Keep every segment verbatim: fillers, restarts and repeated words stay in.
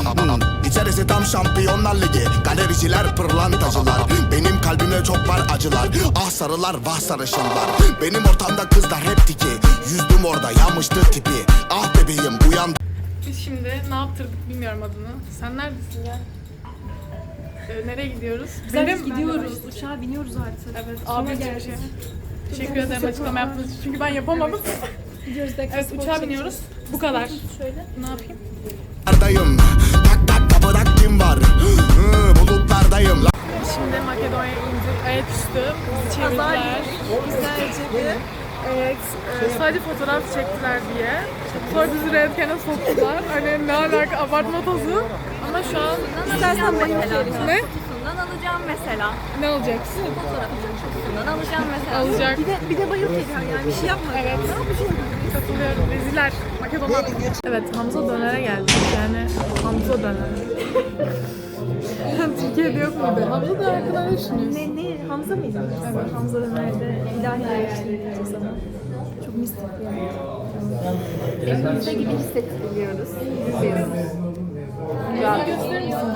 hmm. İçerisi tam Şampiyonlar Ligi. Galericiler pırlantacılar. Benim kalbimde çok var acılar. Ah sarılar vah sarışınlar. Benim ortamda kızlar hep tiki. Yüzdüm orada yanmıştı tipi. Ah bebeğim uyan. Biz şimdi ne yaptırdık bilmiyorum adını. Sen neredesin ya? Ee, nereye gidiyoruz? Biz Benim gidiyoruz. Uçağa biniyoruz artık. Evet, Sonra abi geldik. şey. Teşekkür ederim açıklama yaptığınız için. Çünkü ben yapamadım. Gidiyoruz. Evet, uçağa biniyoruz. Bu kadar. Şöyle. Ne yapayım? Dayım. Tak tak kapıda kim var? Hı, bulutlardayım. Şimdi Makedonya'ya indik. Ayaküstü bizi çevirdiler. Güzelce bir. Evet, e, sadece fotoğraf çektiler diye. Sonra bizi röntgene soktular. Hani ne alaka, abartma tozu. Ama şu an İstersen mesela. ne? Kutusundan alacağım mesela. Ne alacaksın? Fotoğrafın kutusundan alacağım mesela. Alacak. Bir de, bir de bayıl geliyor yani bir şey yapma. Evet. Katılıyorum. Reziler. Makedonlar. Evet, Hamza Döner'e geldik. Yani Hamza Döner. Türkiye'de yok muydu? Hamza Döner hakkında ne düşünüyorsun? Ne, ne? Hamza mıydı? Evet. Hamza Döner'de ilahi ayakçılık sana. Çok mistik yani. Evimizde gibi hissettiriyoruz. İzliyoruz. Ya gösterir misin?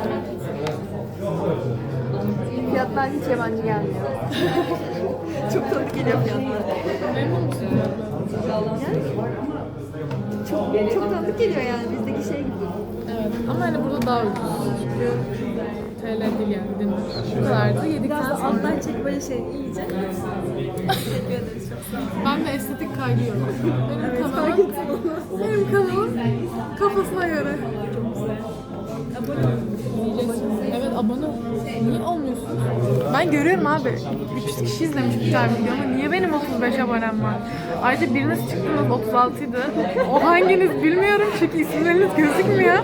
Fiyatlar hiç yabancı gelmiyor. Çok tanıdık geliyor fiyatlar. Memnun musun? Yani çok, çok tanıdık geliyor yani bizdeki şey gibi. Evet. Ama hani burada daha ucuz. Çünkü T L değil yani. Dinle. Bu kadardı. Yedikten Biraz da sonra. alttan çek böyle şey iyice. Teşekkür ederiz çok sağ olun. Ben de estetik kaygı yok. Benim Evet, kanalım, fark ettim onu. benim kanalım kafasına göre. Abone olun. Evet, abone ol. Niye olmuyorsun? Ben görüyorum abi. üç yüz kişi izlemiş bir tane video ama niye benim otuz beş abonem var? Ayrıca biriniz çıktınız otuz altıydı. O hanginiz bilmiyorum çünkü isimleriniz gözükmüyor.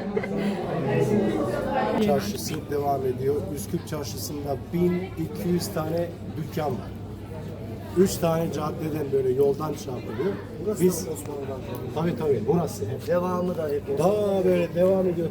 Çarşısı devam ediyor. Üsküp Çarşısı'nda bin iki yüz tane dükkan var. üç tane caddeden böyle yoldan çarpılıyor. Burası Biz, Osmanlı'dan. Tabii tabii burası hep. Devamı da hep. Daha böyle devam ediyor.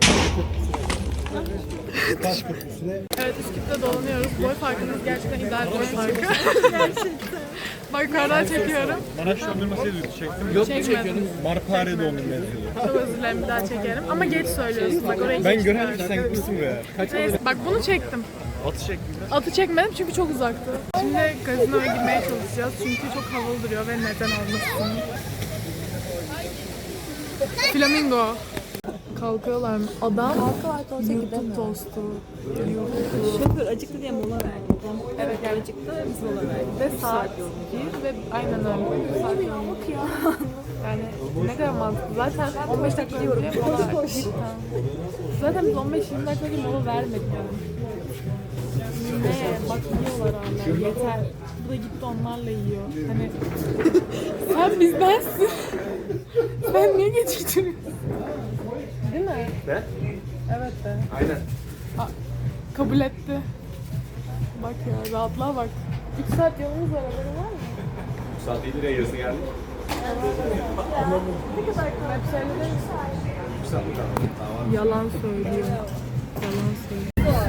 Taş köprüsüne. Evet, Üsküp'te dolanıyoruz. Boy farkınız gerçekten ideal boy farkı. Gerçekten. Bak yukarıdan çekiyorum. Maraş dondurması yazıyordu, çektim. Yok mu çekiyordun? Marpare dondurma yazıyordu. Çok özür dilerim, bir daha çekerim. Ama geç söylüyorsun. Bak orayı Ben geç göremedim, çıkardın. sen gitmişsin be. Kaç Neyse, bak bunu çektim. atı çektim. Atı çekmedim çünkü çok uzaktı. Şimdi gazinoya girmeye çalışacağız çünkü çok havalı duruyor ve neden olmasın. Flamingo. Kalkıyorlar mı? Adam YouTube tostu. Şoför acıktı diye mola verdi. Evet, yani Acıktı biz mola verdik. ve saat bir ve aynen öyle. Saat yirmi. ya. Yani ne kadar mantıklı. Zaten on beş dakika önce mola verdik. Cidden. Zaten biz on beş yirmi dakika önce mola vermedik yani. Ne? Bak yiyorlar hala. Yeter. Bu da gitti onlarla yiyor. Hani sen bizdensin. Sen niye geçiştiriyorsun? Değil mi? Ne? Evet de. Aynen. A- kabul etti. Bak ya, rahatlığa bak. üç saat yolumuz var, haberin var mı? Saat yedi liraya yarısı geldi. Ne kadar hep söyledin. Bir saat kaldı. Tamam. Yalan söylüyor. Yalan söylüyor.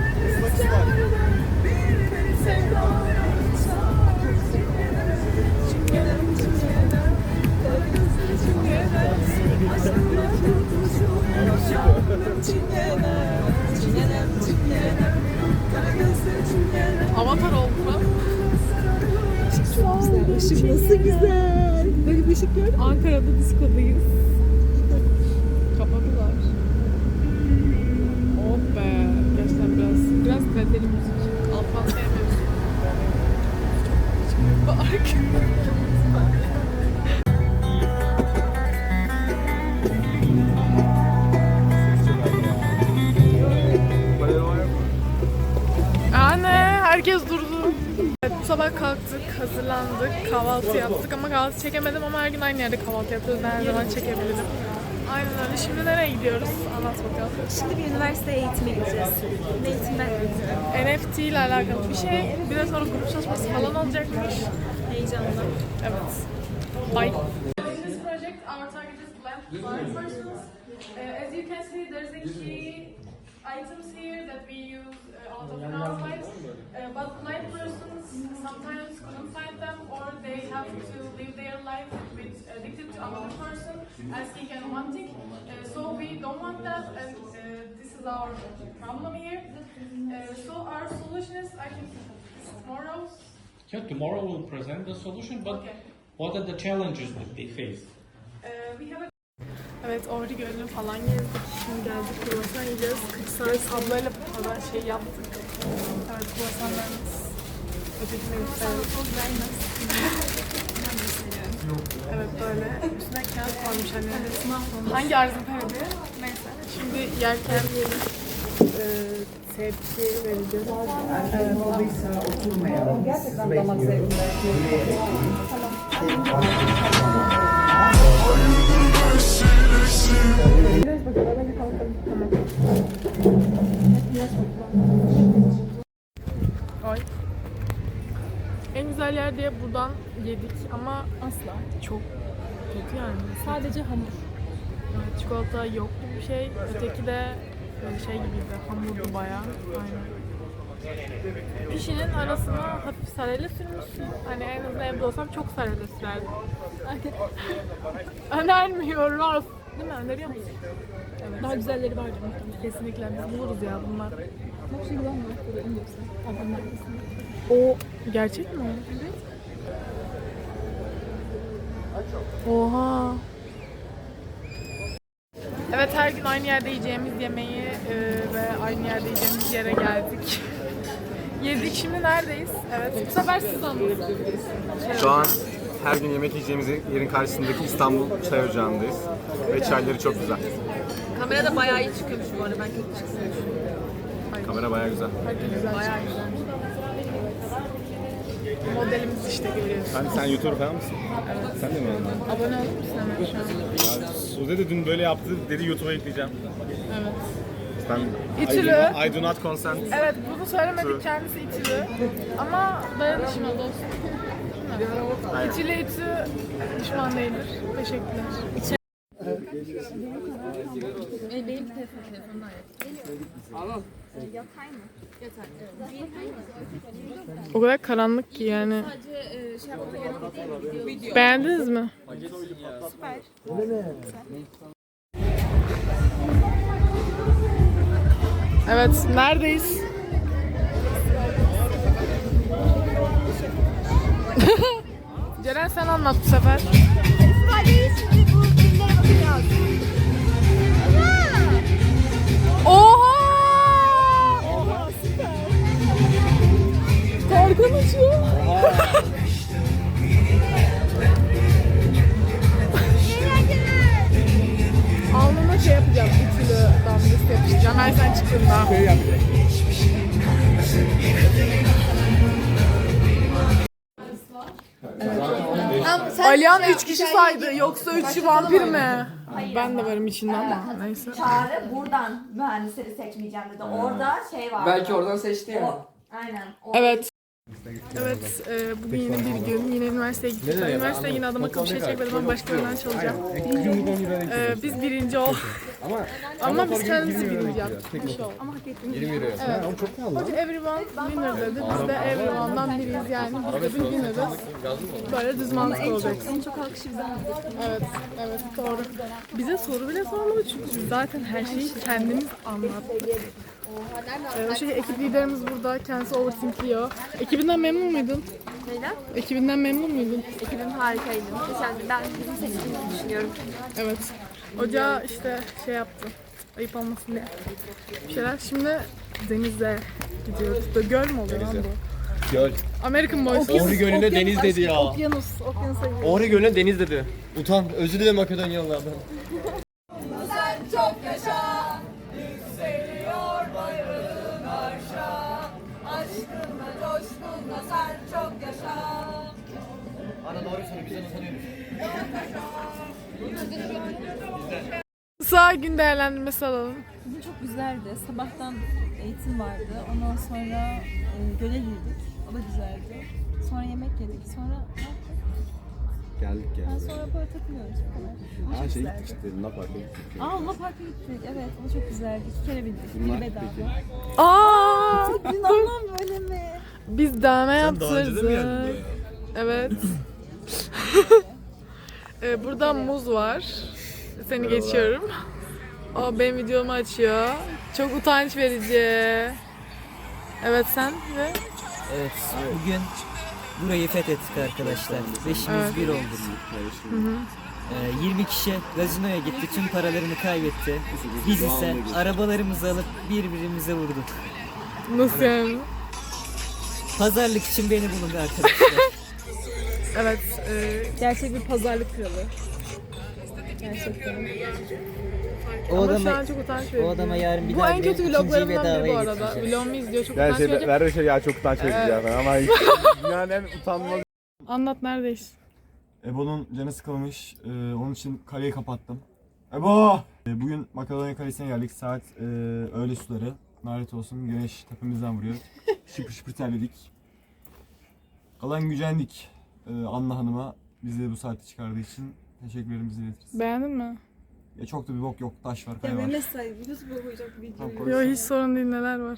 Avatar oldu mu? Işık nasıl güzel. Böyle bir ışık gördün mü? Ankara'da diskodayız. Kapadılar. Oh be. Gerçekten biraz, biraz kaliteli müzik. Alpan sevmiyorsun. Bak. Anne, herkes durdu. Evet, bu sabah kalktık, hazırlandık, kahvaltı yaptık ama kahvaltı çekemedim ama her gün aynı yerde kahvaltı yapıyoruz. Ben her zaman çekebilirim. Aynen öyle. Şimdi nereye gidiyoruz? Anlat bakalım. Şimdi bir üniversite eğitime gideceğiz. Ne eğitimden? N F T ile alakalı bir şey. Bir de sonra grup çalışması falan olacakmış. Heyecanlı. Evet. Bye. In this project, our target is blind blind persons. Uh, as you can see, there's a key items here that we use uh, out of our lives. Uh, but blind persons sometimes couldn't find them, or they have to live their life with addicted to another person, asking and wanting. Uh, so we don't want that, and uh, is our problem here. Uh, so our solution is, I think, tomorrow. Yeah, tomorrow we'll present the solution, but Okay. what are the challenges that they face? Uh, we have a Evet, Ohri Gölü'nü falan gezdik. Şimdi geldik kruvasan yiyeceğiz. kırk saat ablayla falan şey yaptık. Evet, kruvasanlarımız. Ötekine gösterelim. Evet, böyle. Üstüne kağıt koymuş annem. Hangi arzın talebi? Neyse. Şimdi yerken yiyelim. Ee, tepki vereceğiz. Ay. En güzel yer diye buradan yedik ama asla çok kötü yani. Sadece hamur. Evet, çikolata yoktu bir şey. Öteki de böyle şey gibiydi. Hamurdu bayağı. Aynen. Pişinin arasına hafif sarıyla sürmüşsün. Hani en azından evde olsam çok sarıyla sürerdim. Önermiyoruz. Değil mi? Öneriyor musun? Evet. Daha güzelleri vardır muhtemelen. Kesinlikle. Biz buluruz ya bunlar. Çok şey güzel mi? O gerçek mi? Evet. Oha. Evet, her gün aynı yerde yiyeceğimiz yemeği e, ve aynı yerde yiyeceğimiz yere geldik. Yedik, şimdi neredeyiz? Evet, bu sefer siz anlatın. Şu an her gün yemek yiyeceğimiz yerin karşısındaki İstanbul Çay Ocağı'ndayız. Ve çayları çok güzel. Kamerada bayağı iyi çıkıyormuş bu arada. Ben kötü çıksın düşünüyorum. Kamera bayağı güzel. Herkes güzel. Bayağı güzel. Modelimiz işte görüyorsun. Sen, sen YouTuber falan mısın? Evet. Sen de mi öyle? Abone olur musun hemen şu an? Sude de dün böyle yaptı, dedi YouTube'a yükleyeceğim. Evet. Ben İtülü. I do, not, I do not consent. Evet, bunu söylemedik, True. kendisi İTÜ'lü. Ama dayanışma dostum. Aynen. İTÜ'lü İTÜ düşman değildir. Teşekkürler. Benim telefonum O kadar karanlık ki yani. Beğendiniz mi? Süper. Evet, neredeyiz? Ceren sen anlat bu sefer. Oha! Oha süper. Korkan uçuyor. Alnıma şey yapacağım, ütülü damgası yapıştıracağım her sen çıktığında. Şey yapacak. Alihan üç kişi saydı, yoksa üçü vampir mi? Ben de varım içinde ama neyse. Çağrı buradan mühendisleri seçmeyeceğim dedi. Orada şey var. Belki oradan seçti yani. O, aynen. O, Evet. Evet, e, bugün yine bir gün, yine üniversiteye gittik. Ben üniversiteye yine adam akıllı bir şey çekmedim ama başka birinden çalacağım. E, biz birinci ol. Ama biz kendimizi birinci yaptık. Bir şey oldu. Ama hak ettiğimiz yirmi lira. Evet. Hoca everyone winner dedi. Biz de everyone'dan biriyiz yani. Biz de bir winner'ız. Böyle düz mantıklı olacak. En çok alkışı bize aldık. Evet, evet doğru. Bize soru bile sormadı çünkü biz zaten her şeyi kendimiz anlattık. Ee, şey, ekip liderimiz burada, kendisi overthinkliyor. Ekibinden memnun muydun? Neyden? Ekibinden memnun muydun? Ekibim harikaydı. Geçen ben bizim seçtiğimizi düşünüyorum. Evet. Hoca işte şey yaptı, ayıp olmasın diye bir şeyler. Şimdi denize gidiyoruz. Da göl mü oluyor lan bu? Göl. American Boys. Ohri Gölü'ne deniz dedi ya. Okyanus, okyanusa gidiyoruz. Ohri Gölü'ne deniz dedi. Utan, özür dilerim Makedonyalılardan. Sağ gün değerlendirmesi alalım. Bugün çok güzeldi. Sabahtan eğitim vardı. Ondan sonra e, göle girdik. O da güzeldi. Sonra yemek yedik. Sonra ne yaptık? Geldik Ben geldik. sonra böyle takılıyoruz bu kadar. Ama Her çok şey güzeldi. gittik işte, Luna Park'a gittik. Aa, Luna Park'a gittik. Evet, o çok güzeldi. İki kere bindik. Bunlar Bir bedava. peki? Aa! Dün anlam böyle mi? Biz dövme Sen daha önce de mi geldin yaptırdık. buraya? Evet. Ee, burada muz var. Seni geçiyorum. O benim videomu açıyor. Çok utanç verici. Evet sen ve Evet, bugün burayı fethettik arkadaşlar. Beşimiz Evet. bir olduk. Ee, yirmi kişi gazinoya gitti, tüm paralarını kaybetti. Biz ise arabalarımızı alıp birbirimize vurduk. nasıl yani? Pazarlık için beni bulun arkadaşlar. Evet. E, Gerçek bir pazarlık kralı. Gerçekten. O ama şu adama, an çok utanç verici. o adama yarın bir Bu daha en kötü gidelim, ikinciyi vloglarımdan biri bu bedavaya arada. getireceğiz. Vlogumu izliyor, çok Yani utanç şey, verici. ver şey ya çok utanç verici ya ama hiç, dünyanın en utanmaz. Anlat neredeyiz? Ebo'nun canı sıkılmış. Ee, onun için kaleyi kapattım. Ebo! Ee, bugün Makedonya Kalesi'ne geldik. Saat e, öğle suları. Lanet olsun güneş tepemizden vuruyor. Şıpır şıpır terledik. Kalan gücendik. Ee, Anna Hanım'a bizi bu saatte çıkardığı için teşekkürlerimizi iletiriz. Beğendin mi? Ya çok da bir bok yok. Taş var, Ya kaya var. Mehmet say, YouTube'a koyacak video. Tamam, koy. Yok hiç sorun değil, neler var.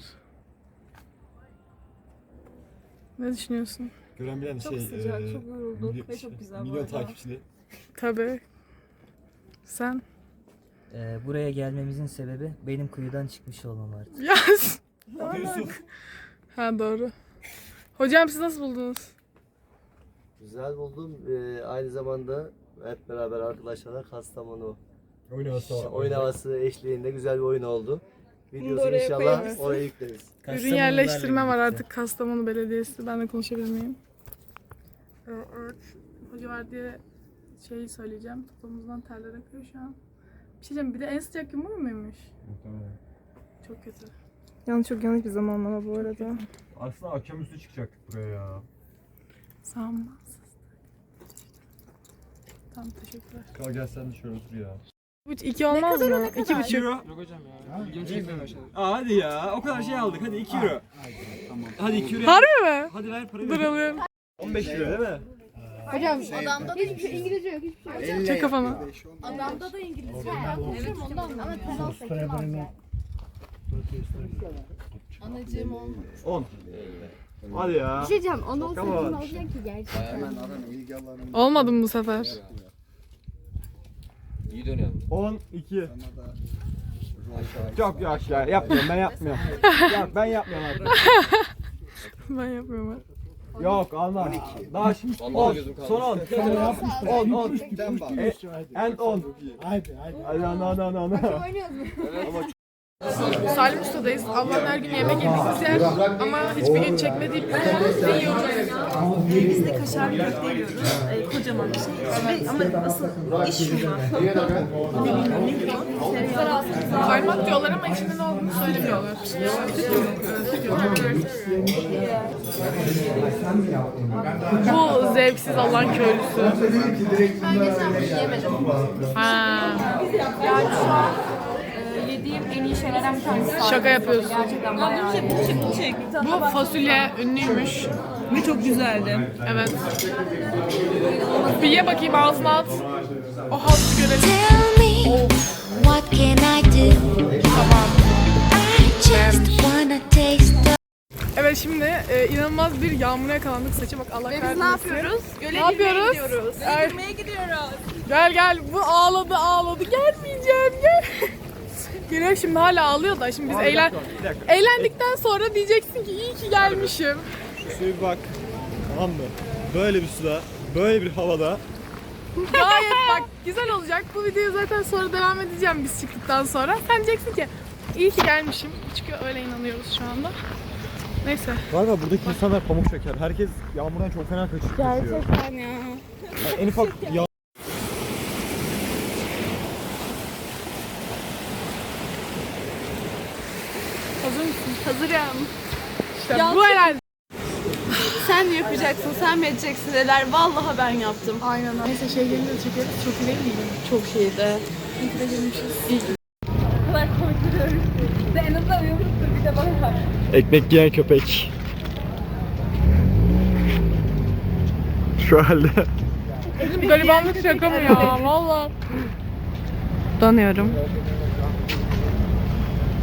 Ne düşünüyorsun? Gören bilen Çok şey... sıcak, e, çok yorulduk milyon- ve çok güzel bu Milyon arada. takipçili. Tabii. Sen? Ee, buraya gelmemizin sebebi benim kuyudan çıkmış olmam artık. Yaz. Yusuf. Ha doğru. Hocam siz nasıl buldunuz? Güzel buldum. Ee, aynı zamanda hep beraber arkadaşlarla Kastamonu Oyun havası var. oyun havası eşliğinde güzel bir oyun oldu. Bunu da Videosunu oraya inşallah koyarız. oraya yükleriz. Ürün Kastamonularla yerleştirme var birlikte. artık Kastamonu Belediyesi. Ben de konuşabilir miyim? Ee, evet. Hoca var diye şeyi söyleyeceğim. Topuğumuzdan terler akıyor şu an. Bir şey diyeceğim, bir de en sıcak gün bu muymuş? Çok kötü. Yanlış çok yanlış bir zamanlama bu arada. Aslında akşamüstü çıkacaktık buraya ya. Sanmaz. Tamam, teşekkürler. Kal gel sen de şöyle otur ya. Üç, iki olmaz mı? İki buçuk. Yok hocam ya. Aa, hadi ya. O kadar şey aldık. Hadi iki euro. Hadi iki euro. Harbi mi? Hadi ver parayı. Dur alıyorum. on beş lira değil mi? Hocam adamda da hiçbir şey İngilizce yok, hiçbir şey yok. Çek kafanı. Adamda da İngilizce yok. Evet ondan ama sen olsa kim alacak? Anacığım olmuş. on. Hadi ya. Bir şey diyeceğim, onu olsa Tamam. kim alacak ki gerçekten? Olmadı mı bu sefer? on iki. Çok yok ya. Yapmıyorum ben yapmıyorum. Yok ben yapmıyorum artık. Ben yapmıyorum. Yok almam. Daha şimdi on. Son on. on on. And on. Haydi haydi. Hadi no no no no. Salim Usta'dayız. Allah'ın her gün yemek yediğimiz yer ama hiçbir gün çekmediği bir ne yiyoruz? Biz de kaşar köfte yiyoruz. Ee, kocaman bir şey. Ve, ama asıl iş şurada. Kaymak diyorlar ama içinde ne olduğunu söylemiyorlar. Bu zevksiz Allah'ın köylüsü. Ben geçen gün yemedim. Ha. Yani şu an e, yediğim en iyi şeylerden bir tanesi. Şaka yapıyorsun. Gerçekten bayağı iyi. Bu çek, bu çek. Bu fasulye ünlüymüş. Ve çok güzeldi. Evet. Bir ye bakayım, ağzına at. O hazzı görelim. Tell me, what can I do? Tamam. I just wanna taste. Evet, şimdi e, inanılmaz bir yağmura yakalandık. Saça bak, Allah kahretmesin. Biz ne yapıyoruz? Göle Ne yapıyoruz? gidiyoruz. Ay. Göle girmeye gidiyoruz. Gel gel, bu ağladı ağladı, gelmeyeceğim gel. Güneş şimdi hala ağlıyor da şimdi biz eğlen eğlendikten sonra diyeceksin ki iyi ki gelmişim. Şu suya bir bak. Tamam mı? Böyle bir suda, böyle bir havada. Gayet bak güzel olacak. Bu videoyu zaten sonra devam edeceğim biz çıktıktan sonra. Sen diyeceksin ki iyi ki gelmişim. Çünkü öyle inanıyoruz şu anda. Neyse. Galiba buradaki insanlar pamuk şeker. Herkes yağmurdan çok fena kaçıyor. Gerçekten ya. Yani en ufak yağ... Hazır mısın? Hazırım. İşte bu herhalde. Sen mi yapacaksın, sen mi edeceksin dediler. Vallahi ben yaptım. Aynen. Neyse şey gelince de çekeriz. Çok iyi değil miydi? Çok şeydi. İyi ki de gelmişiz. O kadar korkuyorum. De en azından uyumluktur bir de bana. Ekmek yiyen köpek. Şu halde. Garibanlık şaka mı ya? Valla. Donuyorum.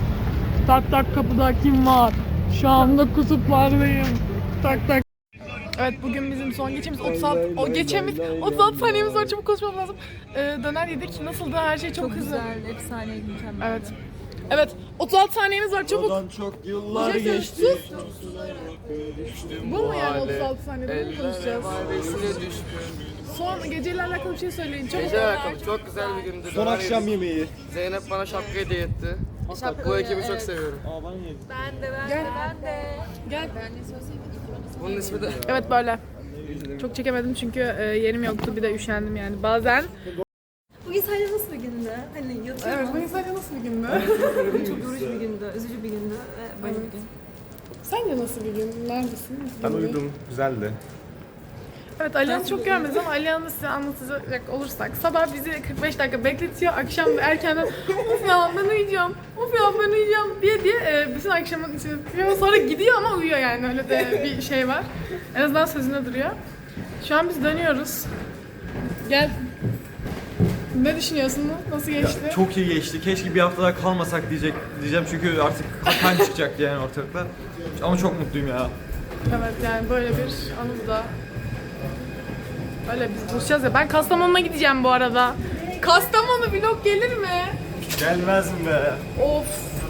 Tak tak kapıda kim var? Şu anda kutuplardayım. Tak tak. Evet bugün bizim son geçimiz otuz altı, o geçemiz otuz altı saniyemiz var, çabuk konuşmam lazım. Ee, döner yedik, nasıldı? Her şey çok, Çok hızlı. güzel, efsaneydi, mükemmel. Evet. Evet, otuz altı saniyemiz var, çabuk. Oradan çok yıllar Bir şey geçti. sus. Bu mu yani otuz altı saniyede mi konuşacağız? Son geceyle alakalı bir şey söyleyin. Çabuk. Gece alakalı çok güzel bir gündü. Son Döner akşam yedik. yemeği. Zeynep bana şapka hediye etti. Bu ekibi çok seviyorum. Ben de ben Gel. de ben de. Gel. Bunun ismi de... Evet böyle. Çok çekemedim çünkü e, yerim yoktu, bir de üşendim yani. Bazen. Bugün sadece nasıl bir gündü? Hani yatıyorum. Evet, bugün sadece nasıl bir gündü? Çok yorucu bir gündü, üzücü bir gündü ve böyle bir gün. Sence nasıl bir gün? Neredesin? Ben uyudum. Güzeldi. Evet, Alihan'ı çok görmedim ama Alihan'ı size anlatacak olursak sabah bizi kırk beş dakika bekletiyor, akşam erkenden of ya ben uyuyacağım, of ya ben uyuyacağım diye diye e, bütün akşamın içine tutuyor, sonra gidiyor ama uyuyor yani, öyle de bir şey var. En azından sözünde duruyor. Şu an biz dönüyoruz. Gel. Ne düşünüyorsun? Nasıl geçti? Çok iyi geçti. Keşke bir hafta daha kalmasak diyecek diyeceğim çünkü artık kan çıkacaktı yani ortalıkta. Ama çok mutluyum ya. Evet yani böyle bir anı da. Öyle biz buluşacağız ya. Ben Kastamonu'na gideceğim bu arada. Kastamonu vlog gelir mi? Gelmez mi be? Of.